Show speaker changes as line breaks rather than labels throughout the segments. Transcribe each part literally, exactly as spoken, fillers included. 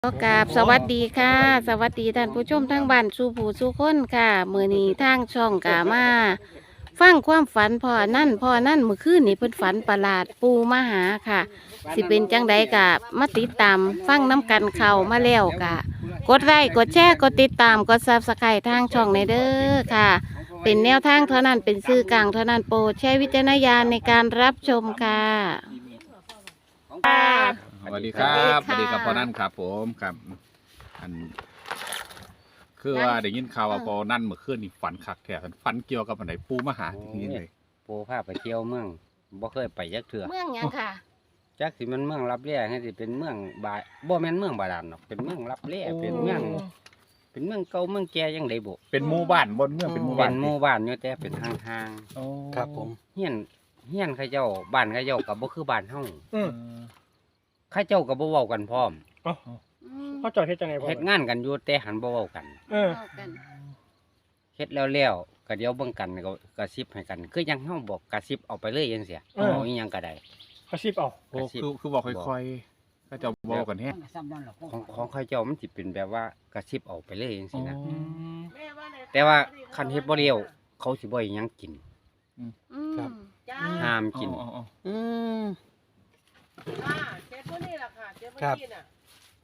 ก็กราบสวัสดีค่ะ สวัสดีท่านผู้ชมทั้งบ้านสู่ผู้สู่คนค่ะมื้อนี้ทางช่องกามาฟังความฝันพ่อนั่นพ่อนั่นเมื่อคืนนี่เพิ่นฝันประหลาดปูมาหาค่ะ สิเป็นจังใดกะมาติดตามฟังน้ำกันเข้ามาแล้วกะ กดไลค์กดแชร์กดติดตามกดซับสไครต์ทางช่องในเด้อค่ะ เป็นแนวทางเท่านั้นเป็นสื่อกลางเท่านั้นโปรดใช้วิจารณญาณในการรับชมค่ะค่ะ
สวัสดีครับ
ส
ส
วั
วั
ส
ส
ดี
ดี
ค่ะ
ครับพ่อนั่นครับผมครับอัน คือว่าได้ยินข่าวว่าพอนั่นเมื่อคืนนี่ฝันคักแท้ฝันเกี่ยวกับอันไหนปูมาหาที่นี่เลย
ปูพาไปเที่ยวเมืองบ่เคยไปจักเทื่อ
เมืองหยังค่ะ
จักสิมันเมืองรับแร่ให้สิเป็นเมืองบาบ่แม่นเมืองบาดาลหรอกเป็นเมืองรับแร่เป็นเมือง เป็นเมืองเก่าเมืองแก่จังได๋บ่
เป็นหมู่บ้านบนเมืองเป็นหมู่
เป็
บ้าน
นหมู่บ้านอยู่แต่เป็นห่าง
โอ้
ครับผม
ๆเฮียนเฮียนเขาเจ้าบ้านเขาเจ้าก็บ่คือบ้านเฮา
เออ
เขาเจ้าก็บ่เว้ากันพร้อม
อ๋อ
อืม
เขาจอดเฮ็ดจังไงพ่อ
เฮ็ดงานกันอยู่แต่หันบ่เว้ากัน
เออ
เอากัน
เฮ็ดแล้วแล้วก็เดี๋ยวเบิ่งกันก็กระซิบให้กัน คือยังเฮาบอกกระซิบเอาไปเลยจังซี่เอาอีหยังก็ได้
เขาชีพเอา
โอ้คือคือบอกค่อยๆก็จะบอกกันแฮะ
ของของเขาเจ้ามันสิเป็นแบบว่ากระซิบเอาไปเลยจังซี่นะ
อ๋อ
แต่ว่าคันเฮ็ดบ่เร็วเขาสิบ่ให้หยังกิน
อืม
ห้ามกิน
อ๋ออ๋อ
อืม
เจ็บพวกนี้แหละค่ะเจ็บพวก
ครับ
นี้น่ะ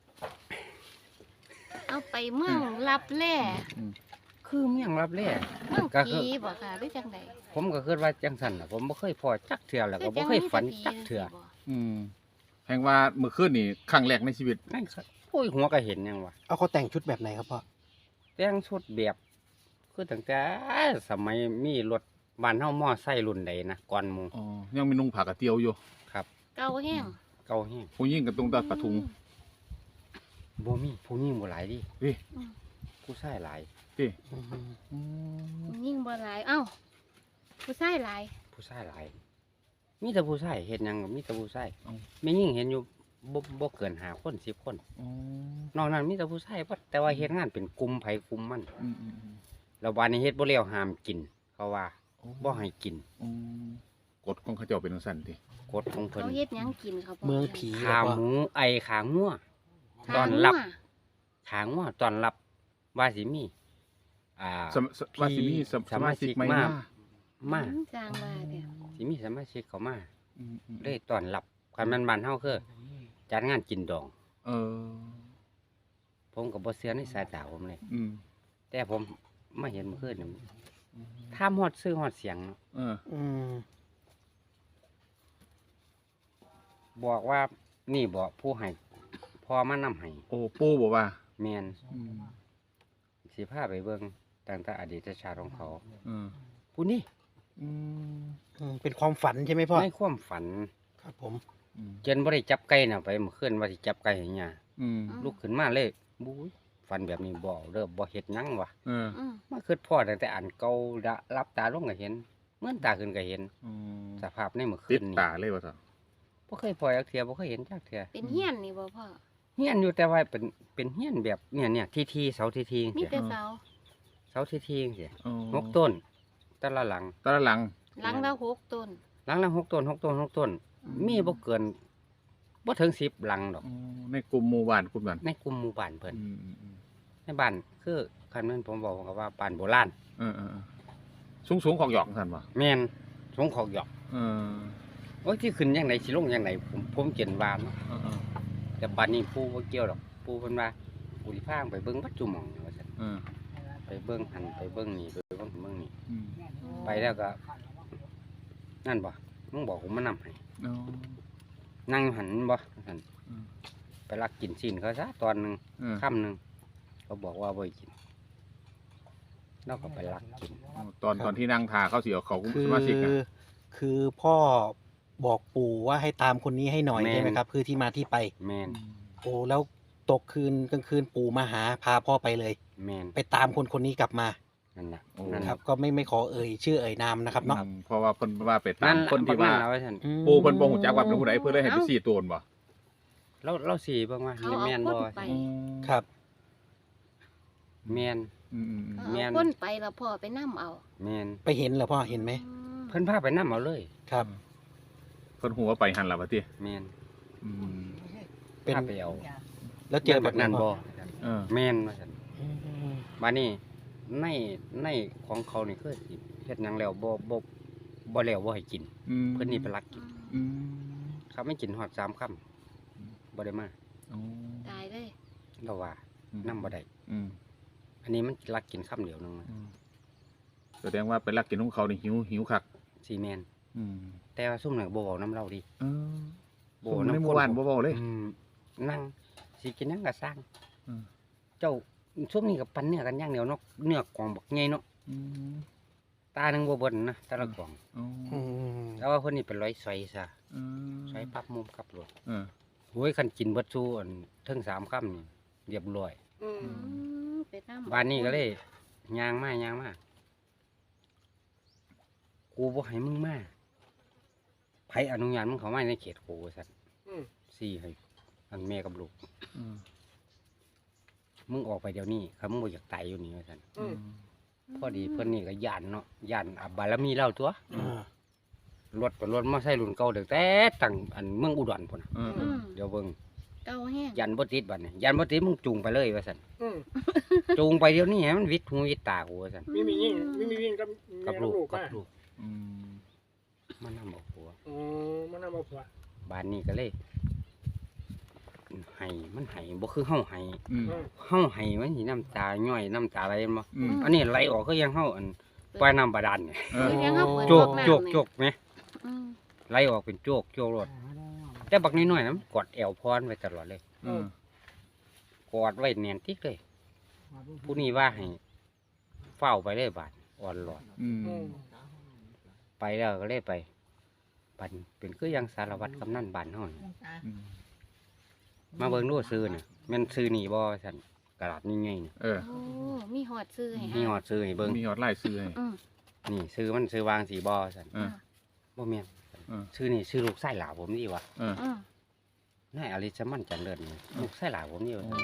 เอาไปเมืองรับแร่
คือเมียงรับแร่
เมือง
ก็คือ
ผีบ่ค่ะหรือจังใด
ผมก็คิดว่าจังซั่นน่ะผมบ่เคยพอจักเทื่อแล้วก็บ่เคยฝันจักเทื่อ
อืมแห่งว่าเมื่อคืนนี่ครั้งแรกในชีวิต
นั่นครับโอ้ยหัวก็เห็นหยังวะ
เอาเขาแต่งชุดแบบไหนครับพ่อ
แต่งชุดแบบคือตั้งแต่สมัยมีรถบ้านเฮามอไซค์รุ่นใดนะก่อนหมู่
อ๋อยังมีนุ่งผ้ากระเตียวอยู่
ครับ
เก่าแห้ง
เก่าแฮง
ผู้หญิงกับตรงตาปะทุง
บ่มีผู้หญิงบ่หลายดิ
เฮ้ย
ผู้ชายหลาย
เฮ้ย
อืม
อืม
ยิ่งบ่หลายเอ้าผู้ชายหลาย
ผู้ชายหลาย มีแต่ผู้ชายเฮ็ดหยังก็มีแต่ผู้ชายแม่ยิ่งเห็นอยู่บ่บ่เกินห้าคนสิบคน
อ๋อน
อกนั้นมีแต่ผู้ชายเบิดแต่ว่าเฮ็ดงานเป็นกลุ่มไผกลุ่มมัน
อืมอืมอืม
แล้ววันนี้เฮ็ดบ่แล้วห้ามกิน เขาว่า
โอ้
บ่ให้กิน
อืมกฎของเขาเจ้าเป็นจังซั่นติ
กฎของเพิ่น
เขาเฮ็ดหยังกินเขาบก
เมืองผี
ขา
เหรอ
หมูไอขางัว
ขา
ตอนรับ
งัว
ขางัวตอนรับว่าสิมีอ่า
สมสว่าสิมีสม
ส
ส
มา
มา
ชิ
ชิ
ก
กไหม
มา
นะ
มา
อืจ้างว่าเด้อ
สิมีสมาชิกเข้ามา
อืมอืม
เลยตอนรับคันแม่นบ้านเฮาคือจัดงานกินดอง
เออ
ผมก็บ่เชื่อในสายตาผมเลย
อืม
แต่ผมมาเห็นเมื่อคืนนี่ถามฮอดซื้อฮอดเสียงเนาะ
เออ
อืม
บอกว่านี่บอกผู้ให้พอมานำให้
โอ้ปูบอกว่า
แม่น
อืม
สิพาไปเบิ่งตั้งแต่อดีตชาติของเขา
เออ
ผู้นี้
อืม
อืมเป็นความฝันใช่ไหมพ่อ
ในความฝัน
ครับผม
อืม
เจนบ่ได้จับไก่น่ะไปเมื่อคืนว่าสิจับไก่ให้หยัง
อืม
ลุกขึ้นมาเลยบุ้ยฝันแบบนี้บ่เด้อบ่เฮ็ดหยังวะ
เออ
อืม
มาคิดพ่อตั้งแต่อันเก่าละรับตาลงก็เห็นเหมือนตาขึ้นก็เห็น
อืม
สภาพในเมื่อคื
ติด
นนี้
ตาเลยว่าซั่น
บ่เคยพอจักเทื่อบ่เคยเห็นจักเทื่อ
เป็นเฮียนนี่บ่พ่อ
เฮียนอยู่แต่ว่าเป็นเป็นเฮียนแบบเนี่ยเนี่ยทีๆเสาทีๆจัง
มี
ซี่
แต่เสา
เสาทีๆจังซี่
อ๋อ
หกต้นแต่ละหลัง
ตอนหลัง
หลังละหกต้น
หลังละหกต้นหกต้นหกต้น มีบ่เกินบ่ถึงสิบหลังดอก
อ๋อในกลุ่มหมู่บ้านกลุ่มนั้น
ในกลุ่มหมู่บ้านเพิ่น
อืมอืมอืม
ในบ้านคือคันแม่นผมบอกก็ว่าบ้านโบราณ
เออเออสูงสูงๆของหยอกซั่นบ่
แม่นสงขอกหยอก
เออ
โอ้ยที่ขึ้นจังไดสิลงจังไดผมผมเขียนว่าเนาะ
เออเออ
แต่บัดนี้ปู่บ่เกี่ยวดอกปู่เพิ่นว่าปู่สิพาไปเบิ่งวัดจุหม่องว่าซั่น
เออ
ไปเบิ่งหันไปเบิ่งนี่ไปเบิ่งเบิ่งนี่
อืม
ไปแล้วก็ นั่นบ่มึงบอกผมมานำให้
อ๋อ
นั่งหันบ่หั่น
อืม
ไปลักกินซีนเขาซะตอนหนึง
เออ
ค่ำหนึงเขาบอกว่าบ่ให้กินเราก็ไปลักกิน
ตอนตอนที่นั่งทาเขาสิเอาเขา
คื
ส
อ
มาชิกอ่ะ
คือพ่อบอกปู่ว่าให้ตามคนนี้ให้หน่อยใช่ไหมครับ คือที่มาที่ไป
แม่น
โอ้แล้วตกคืนกลางคืนปู่มาหาพาพ่อไปเลย
แม่น
ไปตามคนคนนี้กลับมา
นั่นน่ะ
โอ้
นั่น
ครั
น่ะ
บ ก็ไม่ไม่ขอเอ่ยชื่อเอ่ยนามนะครับเนาะ
อืมเพราะว่าเพิ่นว่าไปตา
นั่
ม
นล่ะ
คนที่ว่า
บักนั่นล่ะว่าซั่น
อืม
ปูเพิ่นบ่ฮู้จักว่าเป็นผู้ใดเพิ่นเลยให้ไปซี่โตนบ่
เราเราสิเบิ่งว่า
เขาเอา
แม่น
ค
บ่
นไป
ครับ
แม่น
อืมอืมอืม
เขา
แม่
เอา
น
คนไปแล้วพ่อไปนํเอา
แม่น
ไปเห็นเหรอพ่อเห็นไหม
อืม
เพิ่นพาไปนำเอาเลย
ครับ
เพิ่นฮู้ว่าไปหันล่ะว่าติ
แม่น
อืม
เป็น
พาไปเอา
แล้วเจอแบบนั้น
บ่
บ่
เออ
แม่นว่าซั่น
อืม
บัดนี้ในในของเขานี่คือสิเฮ็ดหยังแล้วบ่บ่บ่แล้วบ่ให้กิน
อืม
เพิ่นนี่ไปลักกิน
อืม
เขาไม่กินฮอดสามค่ำบ่ได้มา
อ๋อ
ตายเลย
เราว่า
อืม
นำบ่ได้
อืม
อันนี้มันลักกินค่ำเดียวนึงนะ
อืมแสดงว่าไปลักกินของเขานี่หิวหิวคัก
ซีแมน
อืม
แต่ว่าซุ่มน่ะบ่เว้านํเราดิ
เออ
บ่
ผม
นำ
ในหมู่บ้านบ่เว้าเลย
อืมนั่งสิกินหยังก็สร้าง
อืม
เจ้าซุ่มนี่ก็ปันเนื้อกันอย่างเดียวเนาะเนื้อกล่องบักใหญ่เนาะ
อืม
ตาหนึงบ่เบิ่นนะแต่ละกล่อง
อ๋อ
อืม
แต่ว่าเพิ่นนี่เป็นร้อยซอยซะ
อืม
ซอยปั๊บมุมกลับรถ
เออ
โอ้ยคันกินเบิดซูอันเทิงสามค่ำนี่เรียบร้อย
อืม
อืมไปนำ
บ้านนี้ก็เลยย่างมาย่างมากูบ่ให้มึงมาไผอนุญาตมึงเข้ามาในเขตกูว่าซั่น
อืม
สี่ให้อันแม่กับลูก
อืม
มึงออกไปเดี๋ยวนี้ครับมึงบ่อยากตายอยู่นี่ว่าซั่น
อืม
พอดีเพิ่นนี่ก็ย่านเนาะย่านอับบารมีเล่าตัว
อ่าร
ถเป็นรถมอไซค์รุ่นเก่าตั้งแต่ตั้งอันเมืองอุดรพุ่นน่ะ
เออ
อืม
เดี๋ยวเบิ่ง
เก่าแห้ง
ยันบ่ติดบัดนี้ยันบ่ติดมึงจูงไปเลยว่าซั่น
อืม
จูงไปเดี๋ยวนี้ให้มันวิดหูวิดตากูว่าซั่น
มีมียิ่งมีมียิ่งกับ
กับ
แม่
ลูก
ลูก
กับ
มา
ลูก
อืม
มันนำบอกผัว
อ๋อมันน่ามาผัว
บ้านนี้ก็เลยให้มันให้บ่คือเฮาให้
อืม
อืม
เฮาให้มันสิน้ำตาย่อยน้ำตาไหลบ่
อืม
อันนี้ไหลออกคือยังเฮาอันปล่อยน้ำบาดาลเนี่ย
เอ
คือ
อ
ยังเฮาเปิด
โจก
น้ำ
โจก
นี่
โจกไหม
อืม
ไหลออกเป็นโจกโจกรถแต่บักน้อยๆนะมันกอดแอวพรไว้ตลอดเลย
เออก
อดไว้แน่นติ๊กเลย ผู้นี้ว่าให้เฝ้าไปเลยบาดอ่อนหลอด
อืม
อืม
ไปแล้วก็เลยไปบันเป็นคือยังสารวัตรกำนันบ้านเฮานี่
อืม
มาเบิ่งดูซื้อน่ะแม่นซื้อนี่บ่ซั่นกระดาษนี่ไงนี่
เออ
โอ้มีหอดซื้อให้
มีหอดซื้อให้เบิ่ง
มีหอดไล่ซื้อให้
อืม
นี่ซื้อมันซื้อวางสีบ่ซั่น
เออ
บ่แม่น
เออ
ซื้อนี่ซื้อลูกไส้หลาผมนี่วะ
เออ
อืม
นายอลิสมันจันเลิศนี่ลูกไส้หลาผมนี่วะ
อ๋อ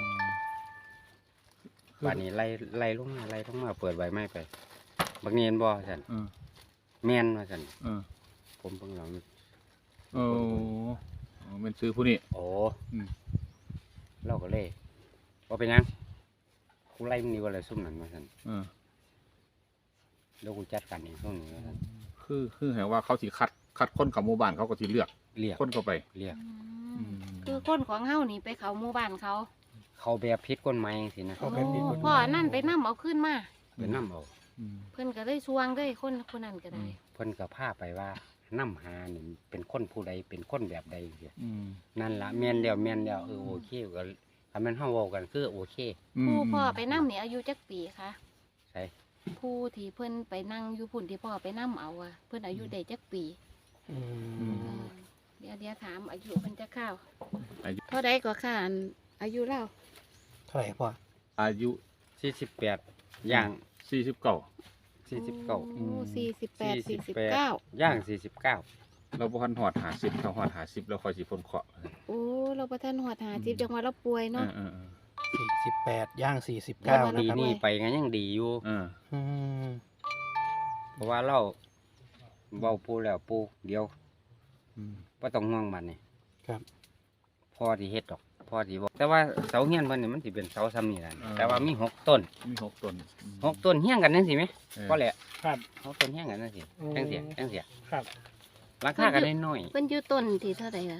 ป่านนี้ไล่ไล่ลงมาไล่ลงมาเปิดใบไม้ไปบักเนียนบ่ซั่น
เออ
แม่นว่าซั่น
เออ
ผมเพิ่งลอง
โอ้เป็นซื้อผู้นี้
โอ้
อืม
เราก็เลยว่าเป็นหยังกูไล่มึงนี่ว่าอะไรซุ่มนั่นว่าซั่น
เออ
แล้วกูจัดการเองช่วงนี้ว่าซั่น
คือคือแหว่าเขาสิคัดคัดคนกับหมู่บ้านเขาก็สิเลือก
เรียก
คนเข้าไป
เรียก
อืมคือคนของเฮานี่ไปเขาหมู่บ้านเขา
เขาแบบพิษกฎหมายจังซี่นะ
เขาแบบผิดกฎห
พ่อ
มาย
นั่นไปนํเอาขึ้นมา
เป็นน้ำเอา
อืม
เพิ่นก็เลยชวงเลยคนคนนั้นก็ได้
เพิ่นก็พาไปว่าน้ำหานี่เป็นคนผู้ใดเป็นคนแบบใดเสีย
อืม
นั่นละแม่นแล้วแม่นแล้วเออโอเคก็ถ้าแม่นเฮาเว้ากันคือโอเค
ผู้พ่อไปนํนี่อายุจักปีคะ
ใช่
ผู้ที่เพิ่นไปนั่งอยู่พุ่นที่พ่อไปนํเอาอะเพิ่นอายุได้จักปี
อื
อื
ม
เออเดี๋ยวเดี๋ยวถามอายุเพิ่นจะเข้าว
อายุ
เท่าใดก็ค่ะอันอายุเล่า
เท่าไหร่พ่อ
อายุ
สี่สิบแปดย่าง
สี่สิบเก้า
สี่สิบเก้า
โอ้สี่สิบแปดสี่สิบ
แปด
เก้า
ย่างสี่สิบเก้า
เราบ่ทันหอดหาสิบเขาหอดหาสิบแล้วค่อยสิพ้นเคราะห์
โอ้เราประทานหัวหาจิบจังหวะเราป่วย
เอ
เนาะ
อเออเออ
สี่สิบแปดย่างสี่สิบ
ป
เก้าก นะ
ติ
ครับ
นี่ไปกันยังดีอยู่
เออ
อืม
เพราะว่าเราเว้าปูแล้วปูเดี๋ยว
อืม
บ่ต้องห่วงมันนี่
ครับ
พ่อที่เฮ็ดดอกพ่อที่บอกแต่ว่าเสาเฮียนเพิ่นนี่มันสิเป็นเสาซ้ำนี่แหละแต่ว่ามีหกต้น
มีหกต้นอืม
หกต้นเฮียงกันจังซี่แหม
เออ
พอแหละ
ครับ
หกต้นเฮียงกันจังซี่
อืม
จังซี่จังซี่
ครับ
ราคากันน้อย
เพิ่นอยู่ต้นที่เท่าใดล่ะ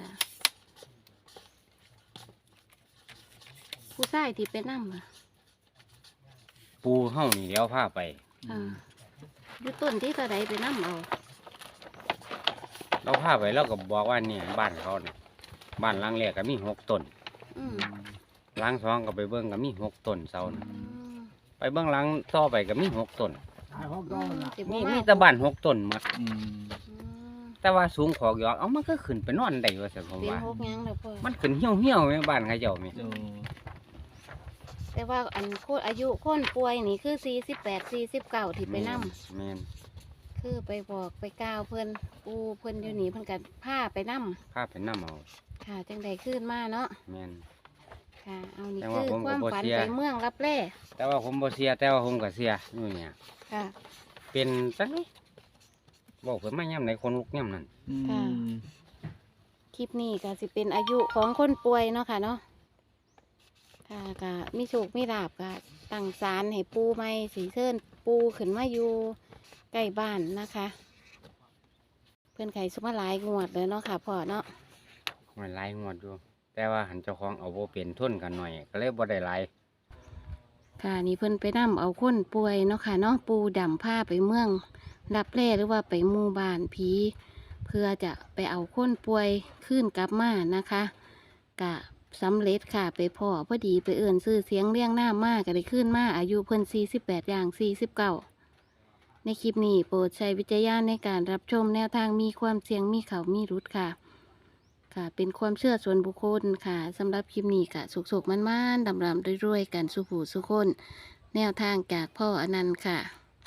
ผู้ชายที่ไปนำอ่ะ
ๆปูเฮานี่เดี๋ยวพาไป
อ่าอยู่ต้นที่เท่าใดไปนำเอา
เราพาไปเราก็บอกว่าเนี่ยบ้านเขาเนี่ยบ้านหลังแรกก็มีหกต้น
อืม
หลังสองก็ไปเบิ่งก็มีหกต้นเสาน่ะ
อืม
ไปเบิ่งหลังต่อไปก็มีหกต้น
อืมสิบ่
มี
มา
มีแต่บ้านหกต้นหมด
อืม
อืม
แต่ว่าสูงขอกยอกเอามันก็ขึ้นไปนอนได้ว่าซั่นผม
เป็น
ว่า
หกหยังแล้วพ่อ
มันขึ้นเหี่ยวเหี่ยวๆแม่บ้านเขาเจ้าแม่
เออ
แต่ว่าอันโคตรอายุคนป่วยนี่คือสี่สิบแปดสี่สิบเก้าที่ไปนำ
แม่น
คือไปบอกไปกล่าวเพิ่นปูเพิ่นอยู่นี่เพิ่นก็พาไปนำ
พาไปนำเอา
ค่ะจังใดขึ้นมาเนาะ
แม่น
ค่ะเอานี่
แต่
คื
ว่า
อ
ผมก็
ความ
บ่
ฝัน
เชื่อ
ไปเมืองรับแร่
แต่ว่าผมบ่เสียแต่ว่าผมก็เสียอยู่เนี่ย
ค่ะ
เป็นจังได๋บอกเพิ่นมายามไหนคนลุกยามนั้น
อืม
ค่ะ คลิปนี้ก็สิเป็นอายุของคนป่วยเนาะค่ะเนาะค่ะก็มีโชคมีลาบก็ตั้งศาลให้ปูใหม่สีเชิญปูขึ้นมาอยู่ใกล้บ้านนะคะ เพื่อนไข่สมาหลายงวดเลยเนาะค่ะพ่อเนาะ
มันหลายงวดอยู่แต่ว่าหันเจ้าของเอาบ่เป็นทุนกันหน่อยก็เลยบ่ได้หลาย
ค่ะนี่เพิ่นไปนํเอาคนป่วยเนาะค่ะเนาะปูดำผ้าไปเมืองรับแร่หรือว่าไปหมู่บ้านผีเพื่อจะไปเอาคนป่วยขึ้นกลับมานะคะกะสำเร็จค่ะไปพ่อพอดีไปเอื่นซื้อเสียงเรียงหน้ามากก็ได้ขึ้นมาอายุเพิ่นสี่สิบแปดอย่างสี่สิบเก้าในคลิปนี้โปรดใช้วิจารณญาณในการรับชมแนวทางมีความเสี่ยงมีเขามีรุดค่ะ ค่ะเป็นความเชื่อส่วนบุคคลค่ะสำหรับคลิปนี้ค่ะสุกๆมันๆดำๆรวยๆกันสุผูสุคน แนวทางจากพ่ออนันต์ค่ะ